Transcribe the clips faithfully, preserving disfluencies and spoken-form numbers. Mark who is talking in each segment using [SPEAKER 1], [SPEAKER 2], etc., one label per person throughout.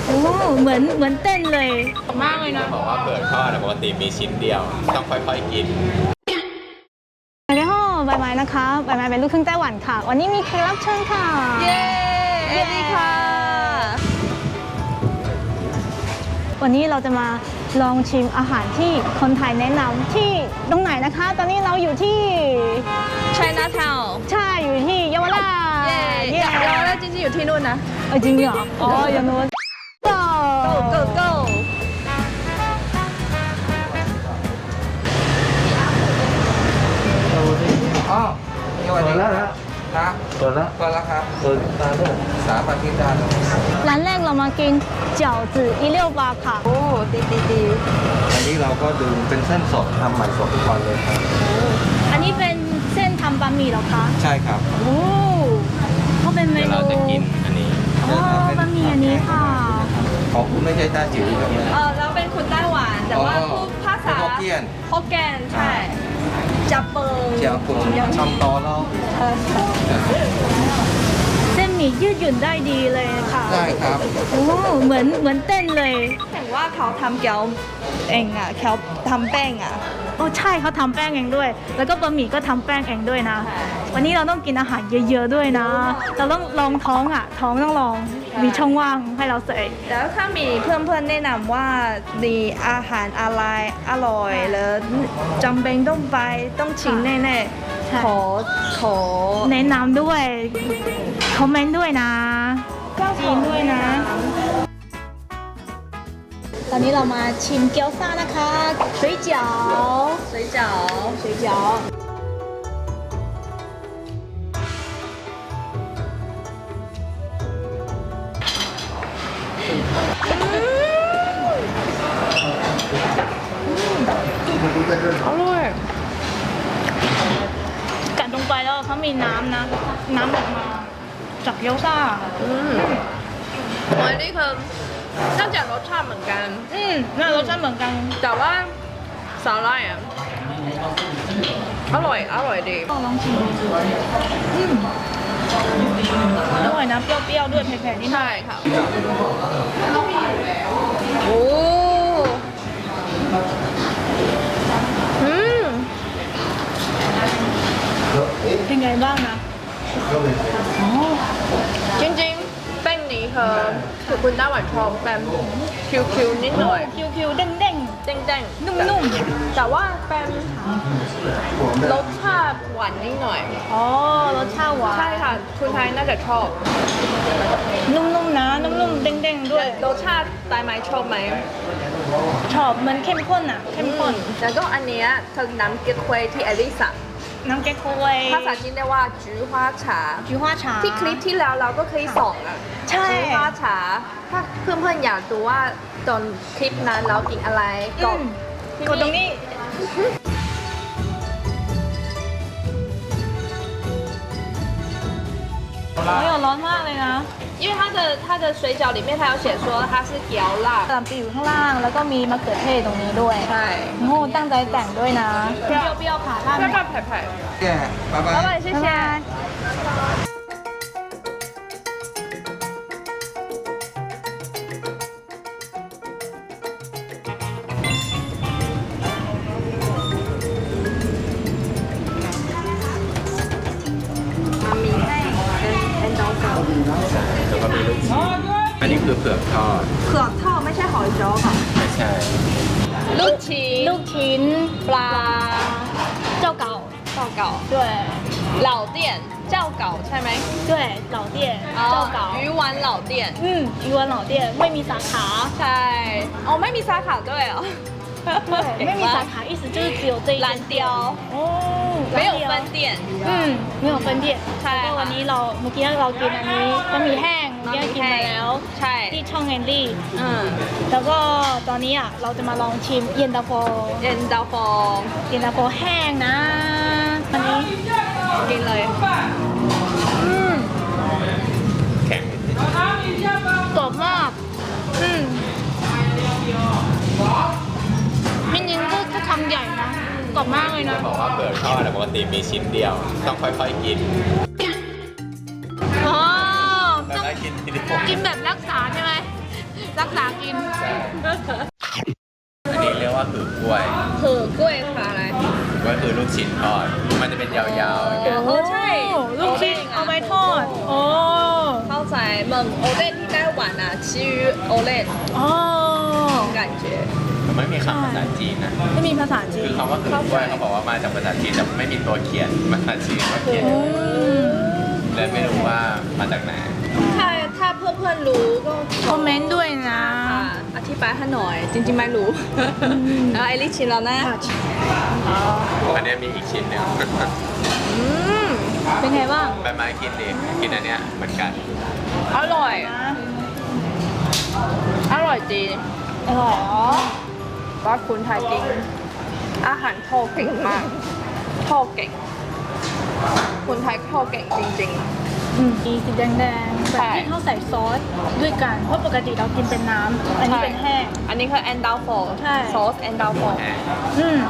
[SPEAKER 1] โอ้เหมือนเหมือนเต้นเลยมากเลยนะ
[SPEAKER 2] บอกว่าเปิดทอดปกติมีชิ้นเดียวต้องค่อยๆกิน
[SPEAKER 1] สวัสดีค่ะใบไม้นะคะใบไม้เป็นลูกครึ่งไต้หวันค่ะวันนี้มีแขกรับเชิญค่ะ
[SPEAKER 3] เย้สวัสดีค่ะ
[SPEAKER 1] วันนี้เราจะมาลองชิมอาหารที่คนไทยแนะนำที่ตรงไหนนะคะ ตอนนี้เราอยู่ที่
[SPEAKER 3] Chinatown
[SPEAKER 1] ใช่อยู่ที่เยาวราช
[SPEAKER 3] เย้เยาวราชจริงๆอยู่ที่นู่นนะ
[SPEAKER 1] เออจริงเหรออ๋ออย่างนู้น go
[SPEAKER 3] go go
[SPEAKER 4] อ๋อสวัสดีครับครับเปิดแล้วเปิดแล้วครับเปิดตาด้วยสามอาทิตย์ได้แล้ว
[SPEAKER 1] ร้านแรกเรามากินเจ๋วจื่อ一六八ค่ะ
[SPEAKER 3] โอ้ดีดีดี
[SPEAKER 4] อันนี้เราก็ดื่มเป็นเส้นสดทำใหม่สดทุกวันเลยครับ
[SPEAKER 1] อันนี้เป็นเส้นทำบะหมี่เหรอคะ
[SPEAKER 4] ใช่ครับ
[SPEAKER 1] โอ้เขาเป็นเม
[SPEAKER 2] เดี๋ยว
[SPEAKER 1] นู
[SPEAKER 2] เราจะกินอันนี้
[SPEAKER 1] อ๋อบะหมี่อันนี้ค่ะ
[SPEAKER 4] ของคุณไม่ใช่ต้าจิ๋วครับเนี่ย
[SPEAKER 3] เออเราเป็นคนไต้หวันแต่ว่าพูดภาษา
[SPEAKER 4] ฮกเกี้ยน
[SPEAKER 3] ฮกเกี้ยนใช่จับเปิง
[SPEAKER 4] เจียวกุนทำต่อแล้ว
[SPEAKER 1] เส้นหมี่ยืดหยุ่นได้ดีเลยค่ะ
[SPEAKER 4] ได้ครับ
[SPEAKER 1] โอ้เหมือนเหมือนเต้นเลย
[SPEAKER 3] ถึงว่าเขาทำเกี๊ยวเองอ่ะเขาทำแป้งอ่ะ
[SPEAKER 1] โอ้ใช่เขาทำแป้งเองด้วย แล้วก็บะหมี่ก็ทำแป้งเองด้วยนะ วันนี้เราต้องกินอาหารเยอะๆด้วยนะ เราต้องลองท้องอ่ะ ท้องต้องลอง มีช่องว่างให้เราเสย
[SPEAKER 3] แล้วถ้ามีเพื่อนๆแนะนำว่ามีอาหารอะไรอร่อยแล้วจำเป็นต้องไปต้องชิมแน่ๆขอขอ
[SPEAKER 1] แนะนำด้วย คอมเมนต์ด้วยนะจีนด้วยนะ ตอนนี้เรามาชิมเกี๊ยวซ่านะคะ水饺
[SPEAKER 3] 水饺
[SPEAKER 1] 水饺
[SPEAKER 3] อร่อย
[SPEAKER 1] กัดลงไปแล้วเขามีน้ำนะ น้ำออกมาจากเกี๊ยวซ่า
[SPEAKER 3] อืมอันนี้คือน่าจะรสชาติเหมือนกัน
[SPEAKER 1] อืมน่ารสชาติเหมือนกัน
[SPEAKER 3] แต่ว่าสาหร่ายอ่ะอร่อยอร่อยดี
[SPEAKER 1] ก็ลองชิมอืมอร่อยนะเปรี้ยวๆด้วยเผ็ดๆนิดหน่อย
[SPEAKER 3] ใช่ค่ะโอ้อืม
[SPEAKER 1] เป็นไงบ้างนะอ๋อ
[SPEAKER 3] จริงๆแป้งนี้คือคือคุณไต้หวันชอบแป้งคิวๆนิดหน่อย
[SPEAKER 1] คิวๆเด้ง
[SPEAKER 3] เด้งๆ
[SPEAKER 1] นุ่ม
[SPEAKER 3] แต่ว่าเป็นรสชาติหวานนิดหน่อย
[SPEAKER 1] ๆอ๋อรสชาติหวาน
[SPEAKER 3] ใช่ค่ะคุณไทยน่าจะชอบ
[SPEAKER 1] นุ่มๆนะนุ่มๆเด้งๆด้วย
[SPEAKER 3] รสชาติไต้ไหมชอบไหม
[SPEAKER 1] ชอบมันเข้มข้นอ่ะเข้มข้น
[SPEAKER 3] แล้วก็อันเนี้ยคือน้ำเก๊กฮวยที่อลิสา
[SPEAKER 1] น้ำแกงโควย
[SPEAKER 3] ภาษาจีนเรียกว่าจื้อฮวาฉา
[SPEAKER 1] 菊花茶
[SPEAKER 3] ที่คลิปที่แล้วเราก็เคยส่องอ่ะ
[SPEAKER 1] ใช่
[SPEAKER 3] จื้อฮวาฉาถ้าเพื่อนๆอยากดูว่าตอนคลิปนั้นเรากินอะไรก็
[SPEAKER 1] อืมกดตรงนี้โอ้ยร้อนมากเลยนะ
[SPEAKER 3] 因为它的它的水饺里面它有写说它是椒辣
[SPEAKER 1] กะหล่ำปีอยู่ข้างล่างแล้วก็มีมะเขือเทศตรงนี้ด้วย
[SPEAKER 3] ใช่
[SPEAKER 1] โอ้ตั้งใจแต่งด้วยนะเปรี้ยวๆค่ะท่าน
[SPEAKER 3] 漂漂拍拍
[SPEAKER 4] แก่บ๊ายบา
[SPEAKER 3] 老
[SPEAKER 4] ย
[SPEAKER 3] 板谢谢 มามีแห้งเป็นเป็นดองเก่า
[SPEAKER 2] แล้วก็มีลูกชิ้นอันนี้คือเผือกทอด
[SPEAKER 3] เผือกทอดไม่ใช่หอยจ้อค่ะ
[SPEAKER 2] ไม่ใช่
[SPEAKER 3] ลูกชิ้น
[SPEAKER 1] ลูกชิ้นปลาเจ้าเก่า
[SPEAKER 3] เจ้าเก่า
[SPEAKER 1] 对
[SPEAKER 3] เหล่าเตี้ยนเจ้าเก่าใช่ไหม
[SPEAKER 1] 对老店เจ้าเก่า
[SPEAKER 3] 鱼丸เหล่าเตี้ยน
[SPEAKER 1] อืมอีวันเหล่าเตี้ยไม่มีสาขา
[SPEAKER 3] ใช่อ๋อไม่มีสาขาด้วยเหรอ
[SPEAKER 1] 对ไม่มีสาขา意思就是只有这一
[SPEAKER 3] 蓝雕
[SPEAKER 1] 哦
[SPEAKER 3] 没有分店
[SPEAKER 1] อืมไม่有分店
[SPEAKER 3] ใช่
[SPEAKER 1] แล้วก็วันนี้เราเมื่อกี้เรากินอันนี้บะหมี่แห้งเมื่อกี้กินไปแล้ว
[SPEAKER 3] ใช่
[SPEAKER 1] ที่ช่องแอนดี้
[SPEAKER 3] อืม
[SPEAKER 1] แล้วก็ตอนนี้อ่ะเราจะมาลองชิมเย็นตาโฟ
[SPEAKER 3] เย็นตาโฟ
[SPEAKER 1] เย็นตาโฟแห้งนะอันนี้
[SPEAKER 3] กินเลย
[SPEAKER 1] อืม
[SPEAKER 2] แข็ง
[SPEAKER 1] กรอบมากอืมจริงๆก็ก็คำใหญ่นะกรอบมากเลยนะ
[SPEAKER 2] บอกว่าเปิดทอดปกติมีชิ้นเดียว ต้องค่อยๆกิน
[SPEAKER 1] อ๋อ
[SPEAKER 2] แล้วก็กินทีเดียว
[SPEAKER 1] กินแบบรักษาใช่ไหม
[SPEAKER 3] รักษากิน
[SPEAKER 2] อันนี้เรียกว่าคือกล้วย
[SPEAKER 3] เผือกล้วยค่ะอะไร
[SPEAKER 2] ก็คือลูกชิ้นทอด มันจะเป็นยาวๆอย่างเงี้ย
[SPEAKER 3] เออใช่
[SPEAKER 1] ลูกชิ้นเอาไว้ทอดโอ้
[SPEAKER 3] เข้าใจเหมือนโอเล่นที่ไต้หวันอ่ะชื่อโอเล่น
[SPEAKER 1] อ๋อ
[SPEAKER 3] 感觉
[SPEAKER 2] มันไม่มีคำภาษาจีนนะ
[SPEAKER 1] ไม่มีภาษาจี
[SPEAKER 2] คื
[SPEAKER 1] น
[SPEAKER 2] อคำว่าคือกล้วยเขาบอกว่ามาจากภาษาจีนแต่ไม่มีตัวเขียนภาษาจีนว่าเขียน
[SPEAKER 1] อืม
[SPEAKER 2] เลยไม่รู้ว่ามาจากไหน
[SPEAKER 3] ถ้าถ้าเพื่อนๆรู้ก็
[SPEAKER 1] คอมเมนต์ด้วยนะ
[SPEAKER 3] ค่ะอธิบายให้หน่อย จริงๆไม่รู้แล้วไอริชินแล้วนะ
[SPEAKER 2] อันเนี้ยมีอีกชิ้นหนึ่ง
[SPEAKER 3] อืม
[SPEAKER 1] เป็นไงบ้าง
[SPEAKER 2] ใบไม้กินดิกินอันเนี้ยเหมือนกัน
[SPEAKER 3] อร่อย อร่อยจริง
[SPEAKER 1] อร่อยอ๋อ
[SPEAKER 3] ว่าคุณไทยกินอาหารทอดเก่งมากทอดเก่งคนไทยทอดเก่งจริง
[SPEAKER 1] อืมมีสีแดงๆแบ
[SPEAKER 3] ใช่
[SPEAKER 1] บที่เขาใส่ซอสด้วยกัน เพราะปกติเรากินเป็นน้ำ อันนี้เป็นแห้ง
[SPEAKER 3] ๆ อันนี้คือแอนดาวฟอร์
[SPEAKER 1] ใช่
[SPEAKER 3] ซอสแอนดาวฟอร์
[SPEAKER 2] แห้ง
[SPEAKER 1] อืม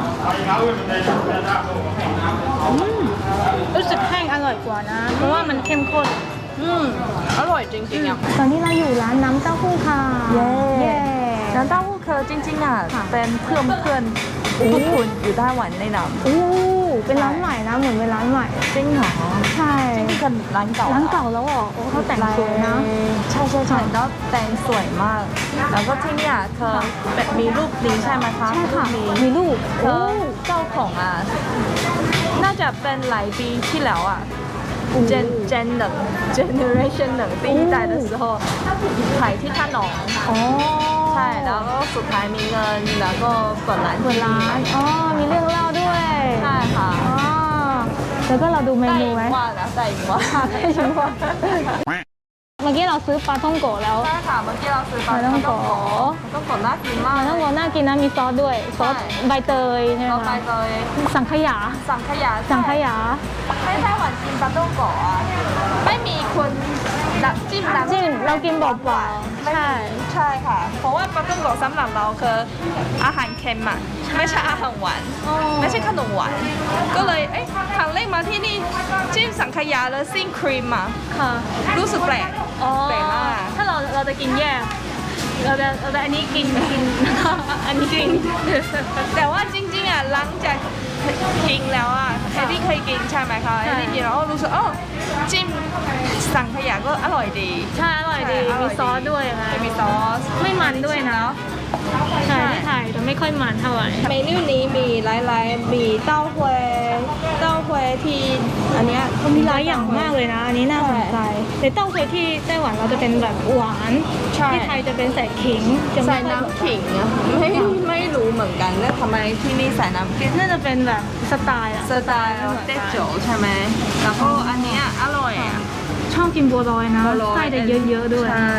[SPEAKER 1] อืมรู้สึกแห้งอร่อยกว่านะ เพราะว่ามันเข้มข้น
[SPEAKER 3] อืมอร่อยจริงๆอ่ะ
[SPEAKER 1] ตอนนี้เราอยู่ร้านน้ำเต้าหู้ค่ะ
[SPEAKER 3] เย้
[SPEAKER 1] เย้
[SPEAKER 3] น้ำเต้าหู้คือจริงๆอ่ะเป็นเพื่อนเพื่อนพวกคุณอยู่ไต้หวันในน้
[SPEAKER 1] อู้เป็นร้านใหม่นะ เหมือนเป็นร้านใหม่
[SPEAKER 3] ำจริงเหรอ
[SPEAKER 1] ใช่
[SPEAKER 3] นี่คือร้านเก่า
[SPEAKER 1] ร้านเก่าแล้วเหรอโอ้เขาแต่งสวยนะ
[SPEAKER 3] ใช่ใช่ใช่แล้วแต่งสวยมาก แล้วก็ที่เนี่ยคือแบบมีรูปนี้ใช่ไหมคะ
[SPEAKER 1] ใช่ค่ะ
[SPEAKER 3] รูปนี้
[SPEAKER 1] มีลูก
[SPEAKER 3] เออเจ้าของอ่ะ น่าจะเป็นหลายปีที่แล้วอ่ะ Gen Gen หนึ่ง Generation หนึ่ง第一代的时候ขายที่ท่าหนอง
[SPEAKER 1] อ๋อ
[SPEAKER 3] ใช่ แล้วก็สุดท้ายมีเงิน แล้วก็เปิดร้าน
[SPEAKER 1] เปิดร้าน อ๋อ มีเรื่องเล่าด้วย
[SPEAKER 3] ใช่ค่ะ
[SPEAKER 1] อ๋อ แล้วก็เราดูเม
[SPEAKER 3] ได้
[SPEAKER 1] นู
[SPEAKER 3] อี
[SPEAKER 1] ไหม
[SPEAKER 3] กว่านะได้อีกว่า
[SPEAKER 1] ได้ชิมว่าเมื่อกี้เราซื้อปลาท่องโกะแล้ว
[SPEAKER 3] ใช่ค่ะ เมื่อกี้เราซื้อปลา
[SPEAKER 1] ปลาท่องโกะ
[SPEAKER 3] ปลาต้องโกะน่ากินมาก
[SPEAKER 1] ปลาท่องโกะน่ากินนะ มีซอสด้วย ซอส
[SPEAKER 3] ใช่
[SPEAKER 1] ใบเตยใช่ไหม
[SPEAKER 3] เราไป
[SPEAKER 1] คะ
[SPEAKER 3] เลย
[SPEAKER 1] สังขยา
[SPEAKER 3] สังขยา
[SPEAKER 1] สังขยา
[SPEAKER 3] ไม่ไต้หวันกินปลาต้องโกะอ่ะไม่มีคนดับจิ้มน้ำ
[SPEAKER 1] จิ้มเรากินเปล่าๆใช่
[SPEAKER 3] ใช่ค่ะ เพราะว่าปลาต้องโกะสำหรับเราคืออาหารเค็มอ่ะไม่ใช่อาหารหวาน
[SPEAKER 1] อ๋อ
[SPEAKER 3] ไม่ใช่ขนมหวาน ก็เลย เอ้ยครั้งแรกมาที่นี่จิ้มสังขยาแล้วซิ่งครีมอ่ะ
[SPEAKER 1] ค่ะ
[SPEAKER 3] รู้สึกแปลก
[SPEAKER 1] อ๋อ
[SPEAKER 3] แปลกมาก
[SPEAKER 1] ถ้าเราเราจะกินแยก เราจะเราจะอันนี้กินกิน อันนี้กิน
[SPEAKER 3] แต่ว่าจริงๆอ่ะหลังจากกินแล้วอ่ะเอดดี้เคยกินใช่ไหมคะ
[SPEAKER 1] ใช่
[SPEAKER 3] เอดดี้กินแล้วรู้สึกอ๋อจิ้มสังขยาก็อร่อยดี
[SPEAKER 1] ใช่ อร่อยดี มีซอสด้วยนะ
[SPEAKER 3] จะมีซอส
[SPEAKER 1] ไม่มันด้วยนะ ใช่ที่ไทยแต่ไม่ค่อยมันเท่าไหร่
[SPEAKER 3] เมนูนี้มีหลายๆมีเต้าหวยเต้าหวยที่อันเนี้ย
[SPEAKER 1] มันมีหลายอย่างมากเลยนะ อันนี้น่าสนใจแต่เต้าเคยที่ไต้หวันเราจะเป็นแบบหวาน
[SPEAKER 3] ใช่
[SPEAKER 1] ที่ไทยจะเป็นใส่ขิงจะ
[SPEAKER 3] ใส่
[SPEAKER 1] ไม่ค่อย
[SPEAKER 3] น้ำขิงอะไม่ไม่รู้เหมือนกันแล้วทำไมที่นี่ใส่น้ำขิง
[SPEAKER 1] น่าจะเป็นแบบสไตล์อะ
[SPEAKER 3] สไตล์เต้โจใช่ไหมแล้วก็อันเนี้ยอร่อยอ่ะ
[SPEAKER 1] ชอบกินบัวลอยนะ
[SPEAKER 3] บัวลอย
[SPEAKER 1] ไส้จะเยอะๆด้วย
[SPEAKER 3] ใช่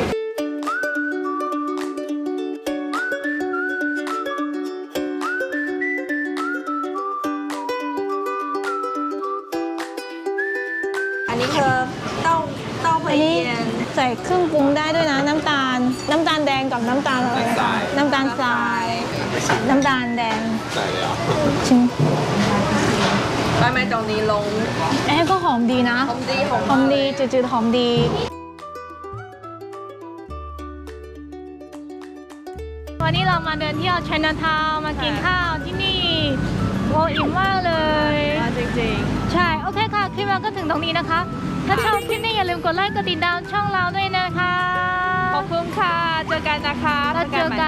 [SPEAKER 3] อันนี้คือเต้าเต้าหว
[SPEAKER 1] อั
[SPEAKER 3] ย
[SPEAKER 1] นนี้
[SPEAKER 3] เย็น
[SPEAKER 1] ใส่เครื่องปรุงได้ด้วยนะ น้ำตาล น้ำตาลแดงกับน้ำตาลอะไรนะน้ำตาลทราย น้ำตาลแดง
[SPEAKER 2] ใส่เลยเหรอ
[SPEAKER 1] ชิม
[SPEAKER 3] ไปไหมตรงนี้ลง
[SPEAKER 1] เอ๊ะก็หอมดีนะ
[SPEAKER 3] หอมดีหอม
[SPEAKER 1] หอมดีจืดๆหอมดี วันนี้เรามาเดินเที่ยว Chinatown มากินข้าวที่นี่โอ้อิ่มมากเลย
[SPEAKER 3] มาจริง
[SPEAKER 1] ใช่ โอเคค่ะ คลิปเราก็ถึงตรงนี้นะคะ ถ้าชอบคลิปนี้อย่าลืมกดไลค์กดติดตามช่องเราด้วยนะคะ
[SPEAKER 3] ๆ ขอบคุณค่ะ เจอกันนะคะ
[SPEAKER 1] แล้วเจอกัน